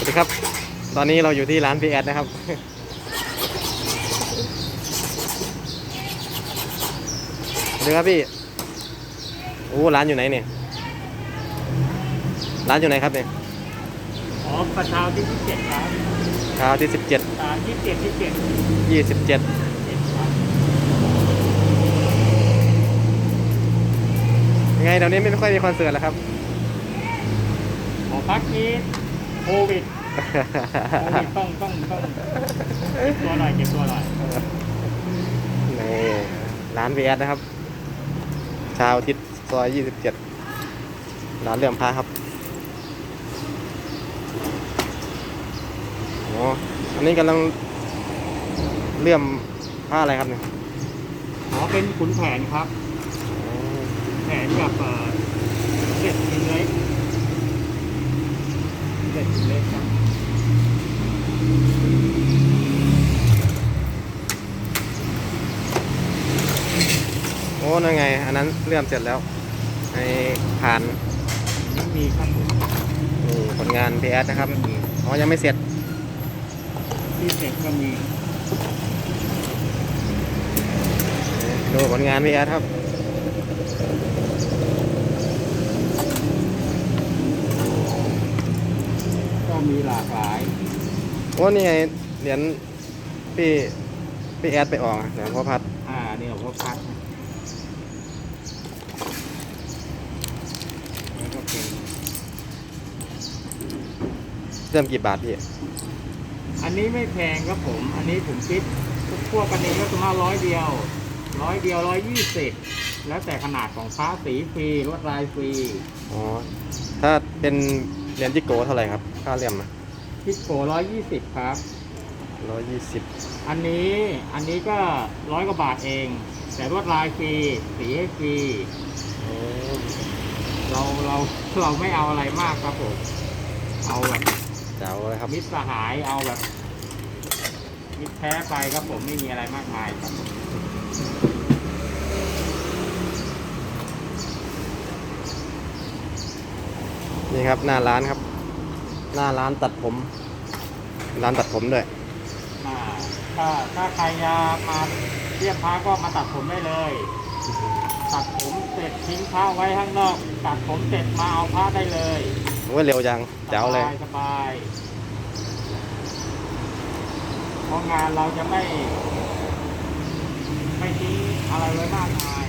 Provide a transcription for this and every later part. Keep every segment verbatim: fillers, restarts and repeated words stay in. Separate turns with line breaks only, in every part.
ดีครับตอนนี้เราอยู่ที่ร้านพีแอดนะครับสวัสดีครับพี่โอ้ร้านอยู่ไหนเนี่ยร้านอยู่ไหนครับเนี่ย
อ๋อประชาที่ที่เจ็ดครับ
เช้าที่สิบเจ็ด
อ่าที่เจ็ดที่เจ็ด
ยี่สิบเจ็ดยังไงเดี๋ยวนี้ไม่ค่อยมีคอนเสิร์ตแล้วครับ
ขอพักนี้โควิดโควิดต้องต้องต้องเก็บตัวหน่อยเก็บตัวหน่อย
นี่ร้านพีแอดนะครับเช้าอาทิตย์ซอยยี่สิบเจ็ดร้านเลื่อมพระครับอ๋ออันนี้กำลังเลื่อมผ้าอะไรครับเนี่ย
อ๋อเป็นขุนแผนครับขุนแผนกับเอ่อเด็ดชิ้นเล็กเด็ดชิ้นเล็กครับ
โอ้นั่นไงอันนั้นเลื่อมเสร็จแล้วไอ้ผ่าน
ยังมีข้างบน
นี่ผลงานพีแอดนะครับอ๋อยังไม่เสร็จ
ที่เสร็จก็มี
ดูผลงานพีแอดครับ
ก็มีหลากหลาย
โอ้นี่ไงเหรียญพี่พี่แอดไปออกเหรียญพ่อพัด
อ่าเนี่ยพ่อพัดแล้วก็เป็น
เริ่มกี่บาทพี่
อันนี้ไม่แพงครับผมอันนี้ผมคิดพวกกันเองก็ประมาณร้อยเดียวร้อยเดียวร้อยยี่สิบแล้วแต่ขนาดของพระสีฟรีลวดลายฟรี
อ๋อถ้าเป็นเหรียญจิโก้เท่าไหร่ครับค่าเหลี่ยมอะ
พิโกร้อยยี่สิบครับ
ร้อยยี่สิบ
อันนี้อันนี้ก็ร้อยกว่าบาทเองแต่ลวดลายฟรีสีให้ฟรีเราเราเราไม่เอาอะไรมากครับผมเอาแบบ
เจ๋วเลยครับ
มิตรสหายเอาแบบมิตรแท้ไปครับผมไม่มีอะไรมากมายครับผม
นี่ครับหน้าร้านครับหน้าร้านตัดผมร้านตัดผมด้วย
ถ้าถ้าใครจะมาเรียกพระก็มาตัดผมได้เลยตัดผมเสร็จทิ้งพระไว้ข้างนอกตัดผมเสร็จมาเอาพระได้เลย
โอ้ยเร็วจังเจ๋วเลย
สบายเพราะงานเราจะไม่ไม่ทิ้งอะไรไว้มากมาย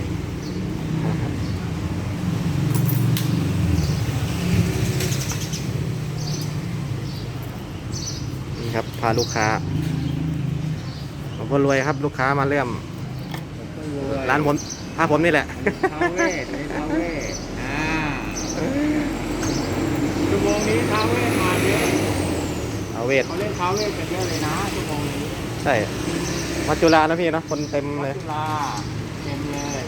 นี่ครับพาลูกค้าหลวงพ่อรวยครับลูกค้ามาเริ่มร้านผมพาผมนี่แหละ
ท้าวเวสในท้าวเวสอ่าชั่วโมงนี้ท้าวเวสมาเยอะ
ท้าวเวส
เขาเล่นท้าวเวสกันเยอะเลยนะชั่วโมงนี้
ใช่วัดจุฬานะพี่เนาะคนเต็มเลย
วัดจุฬาเต็มเลย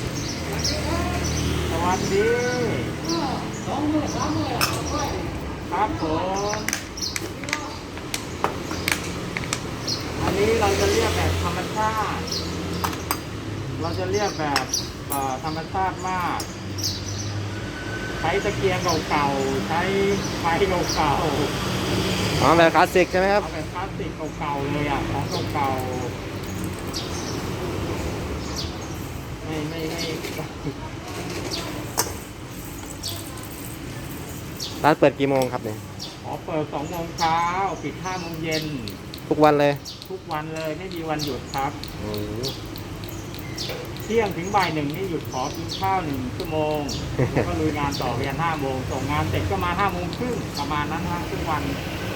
สวัสดีสองมือสามมือครับผมอันนี้เราจะเรียกแบบธรรมชาติเราจะเรียกแบบธรรมชาติมากใช้ตะเกียงเก่าๆใช้ไฟเก่าๆ
อ๋อแบบคลาสสิกใช่ไหมครับ
แบบคลาสสิกเก่าๆเลยอ่ะของเก่าๆไม่ไม่ไม่
ร้านเปิดกี่โมงครับเนี่ย
อ๋อเปิดสองโมงเช้าปิดห้าโมงเย็น
ทุกวันเลย
ทุกวันเลยไม่มีวันหยุดครับเที่ยงถึงบ่ายหนึ่งนี่หยุดขอกินข้าวหนึ่งชั่วโมงแล้วก็ลุยงานต่อเรียนห้าโมงส่งงานเสร็จก็มาห้าโมงครึ่งประมาณนั้นฮะทุกวัน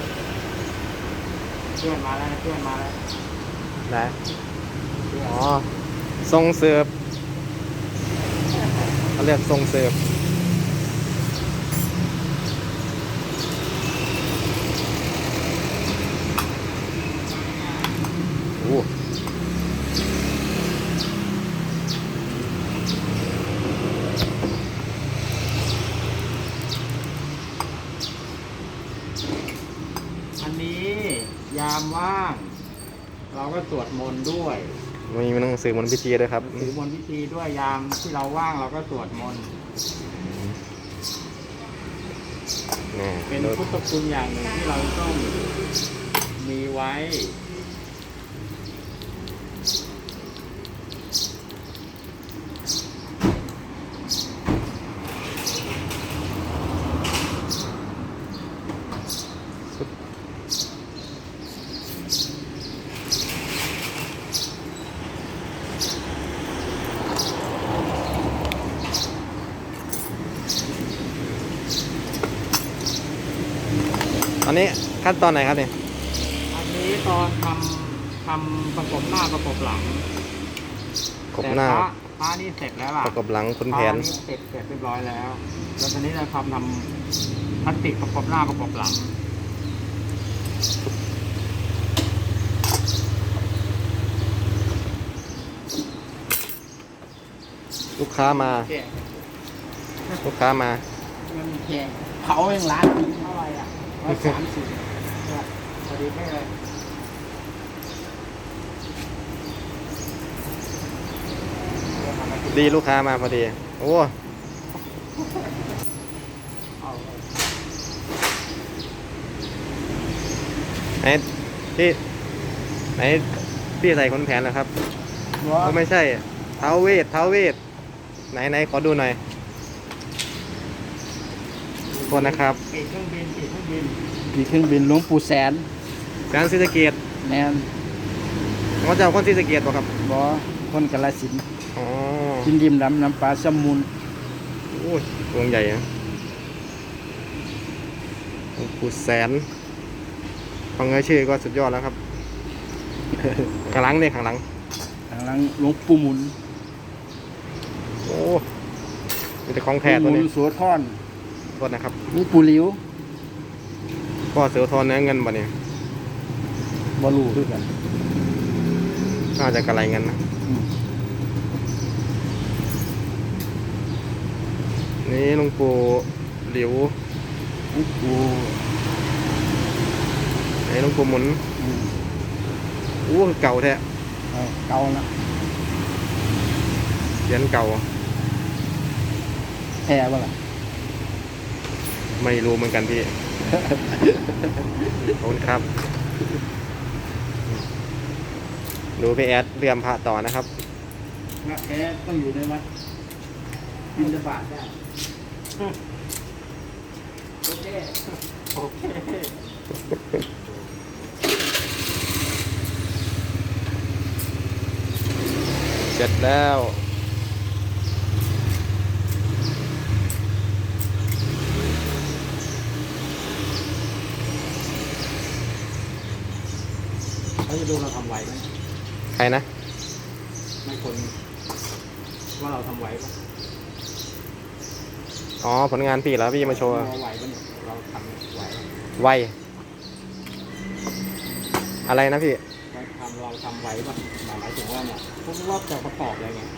เพื่อนมาแล้วนะเพื่อนมาแล้ว
ได้อ๋อทรงเสิร์ฟเขาเรียกทรงเสิร์ฟโอ้
อันนี้ยามว่างเราก็สวดมนต์ด้วย
มีหนังสือมนต์พิธีด้วยครับ
หนังสือมนต์พิธีด้วยยามที่เราว่างเราก็สวดมนต์
นี่
เป็น
ดู
พุทธคุณอย่างหนึ่งที่เราต้องมีไว้
อันนี้ขั้นตอนไหนครับเนี่ย
อันนี้ตอนทำทำประกบหน้าประกบหลัง
กบหน้า
แต่พระพระนี่เสร็จแล้วล่ะ
ประกบหลังคุณแผน
พระเสร็จเสร็จเรียบร้อยแล้ว แล้วตอนนี้เราทำทำพลาสติกประกบหน้าประกบหลัง
ลูกค้ามา
แก่
ลูกค้ามา
มันแก่เขาเองร้านนี้เท่าไหร่อ่ะร้อยสามสิบ
พอดีไม่เลย
ดีลูกค้ามาพอดี โอ้
เอา
ไหนพี่ไหนพี่ใส่คนแผนนะครับ
หัว
โอ้ไม่ใช่เท้าเวทเท้าเวทไหนไหนขอดูหน่อยโทษนะครับ
ปีกเครื่องบินปีกเครื่องบิน
มีเครื่องบินหลวงปู่แสน
การศรีสะเกษ
แมน
เขาจะเอาคนศรีสะเกษบ่ครับ
บอคนกาฬสินธุ์
อ๋อ
กินดิมดำน้ำปลาสมุน
โอ้ยตัวใหญ่นะหลวงปู่แสนฟังเงยชื่อก็สุดยอดแล้วครับ ข้างหลังเนี่ยข้างหลัง
ทางหลังหลวงปู่หมุน
โอ้มีแต่ของแท้
ห
ตัว
มุ
นี้
นสัวทอน
โทษนะครับ
หลวงปู่หลิว
ก็เสือทอนเนื้อเงินบ่เนี่ย
บอลูคือกัน
น่าจะกระไรเงินนะ
อืม
นี่หลวงปู่หลิว
หลวงปู่
ไอ้หลวงปู่หมุน
อืม
อู้เก่าแท้
เอาเก่าละ
เหรียญเก่า
แพ้บ่ล่ะ
ไม่รู้เหมือนกันพี่ ขอบคุณครับ ดูพี่แอดเรียมพระต่อนะครับ
พระแท้ต้องอยู่ในวัดบินบาตได้โอเค
โอเค
เสร็จแล้ว
เขาจะดูเราทำไหวไหม
ใครนะ
ไม่คนว่าเราทำไหวปะ
อ๋อ ผลงานพี่แล้วพี่มาโชว์
เราไหวปะเนี่ยเราทำไหวปะ
ไว อะไรนะพี่
เราทำเราทำไหวปะหมายถึงว่าเนี่ยพวกรอบจะประกอบอะไรเงี้ย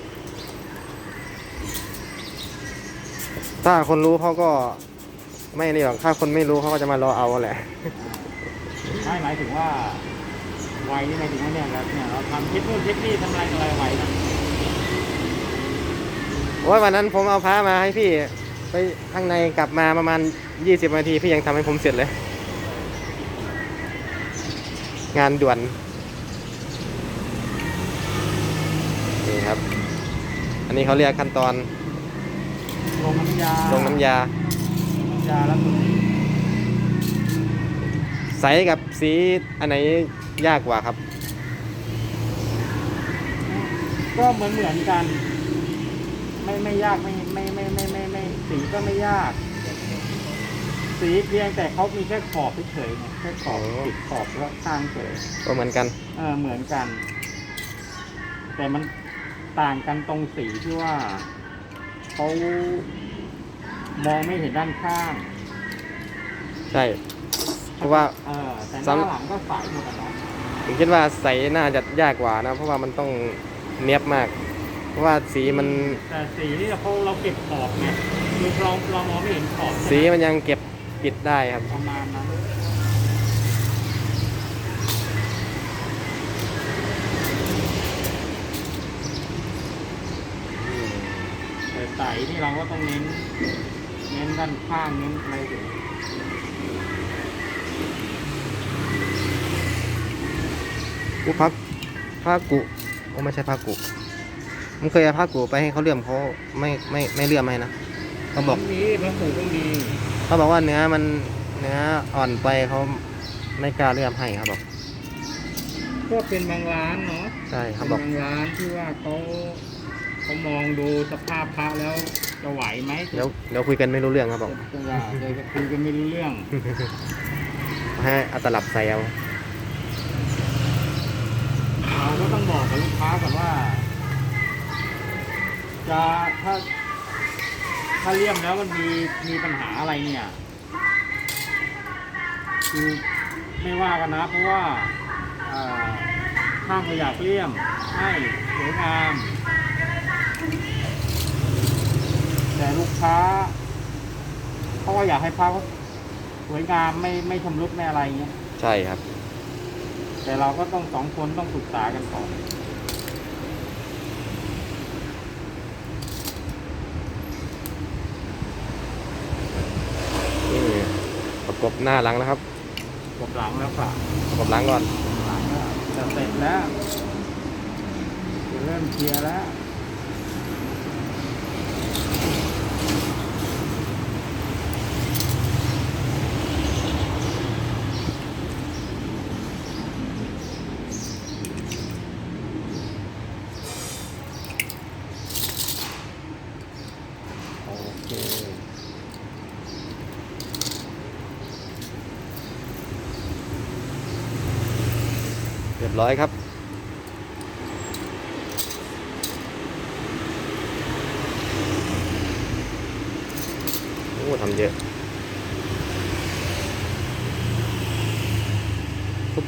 ถ้าคนรู้เขาก็ไม่นี่หรอก ถ้าคนไม่รู้เขาก็จะมารอเอาแหละ
ไม่หมายถึงว่าไหวนี่หมายถึงว่าเนี่ยเราเนี่ยเราทำเทคนู่นเทคนี่ทำอะไรอะไรไหวนะ
โอ้ยวันนั้นผมเอาพระมาให้พี่ ไปข้างในกลับมาประมาณยี่สิบนาที พี่ยังทำให้ผมเสร็จเลย งานด่วน นี่ครับ อันนี้เขาเรียกขั้นตอน
ลงน้ำยา
ลงน้ำยา
น้ำยาแล้วตัวนี้
ใสกับสีอันไหนยากกว่าครับ
ก็เหมือนเหมือนกัน ไม่ไม่ยากไม่ไม่ไม่ไม่ไม่ไม่สีก็ไม่ยาก สีเพียงแต่เขามีแค่ขอบเฉยๆไงแค่ขอบ
อ๋อ
ติดขอบแล้วข้างเฉย
ก็เหมือนกัน
เออเหมือนกัน แต่มันต่างกันตรงสีที่ว่าเขามองไม่เห็นด้านข้าง
ใช่ เพราะว่า
เออแต่ห
ซ้ำ
น้าหลังก็ใสหมดอะเนาะ
ผมคิดว่าใสน่าจะยากกว่านะ เพราะว่ามันต้องเนียบมาก เพราะว่าสีมัน
แต่สีนี่เขาเราเก็บขอบไงคือเราเรามองไม่เห็นขอบใช่ไหม
สีมันยังเก็บปิดได้ครับ
ประมาณนั้นแต่ใสนี่เราก็ต้องเน้น เน้นด้านข้างเน้นอะไรอยู่
กูพักผ้ากุโอ้ไม่ใช่ผ้ากุมันเคยเอาผ้ากุไปให้เขาเลื่อมเขาไม่ไม่ไม่เลื่อมให้นะเขาบอก
มีพระผูก็มี
เขาบอกว่าเนื้อมันเนื้ออ่อนไปเขาไม่กล้าเลื่อมให้ครับบอก
ก็เป็นบางร้านเนาะ
ใช่ครับ
เป็น
บอก
บางร้านที่ว่าเขาเขามองดูสภาพพระแล้วจะไหวไหม
เดี๋ยวเดี๋ยวคุยกันไม่รู้เรื่องครับบอก
จะว่าเดี๋ยวจะคุยกันไม่รู้เรื่อง
ให้เอาตลับใส่เอา
เราก็ต้องบอกกับลูกค้าก่อนว่า จะถ้า ถ้าเลี่ยมแล้วมันมีมีปัญหาอะไรเนี่ย คือไม่ว่ากันนะ เพราะว่าเอ่อช่างก็อยากเลี่ยมให้สวยงาม แต่ลูกค้าเขาก็อยากให้พระเขาสวยงามไม่ไม่ชำรุดไม่อะไรเงี้ย
ใช่ครับ
แต่เราก็ต้องสองคนต้องปรึกษากันก่อน
นี่ประกบหน้าหลังแล้วครับ
กดหลังแล้วค่ะ
ประกบหลังก่อน
หลังแล้วจะเสร็จแล้วจะเริ่มเคลียร์แล้ว โอเค
เรียบร้อยครับโอ้ทำเยอะปุ๊บ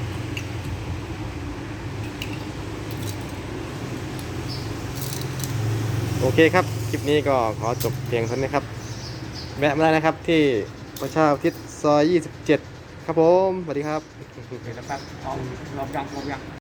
โอเคครับ คลิปนี้ก็ขอจบเพียงเท่านี้ครับ แวะมาได้นะครับที่ประชาอุทิศซอยยี่สิบเจ็ดครับผม สวัสดีครับ
เดี๋ยวนะครับเอาลองยังลองยัง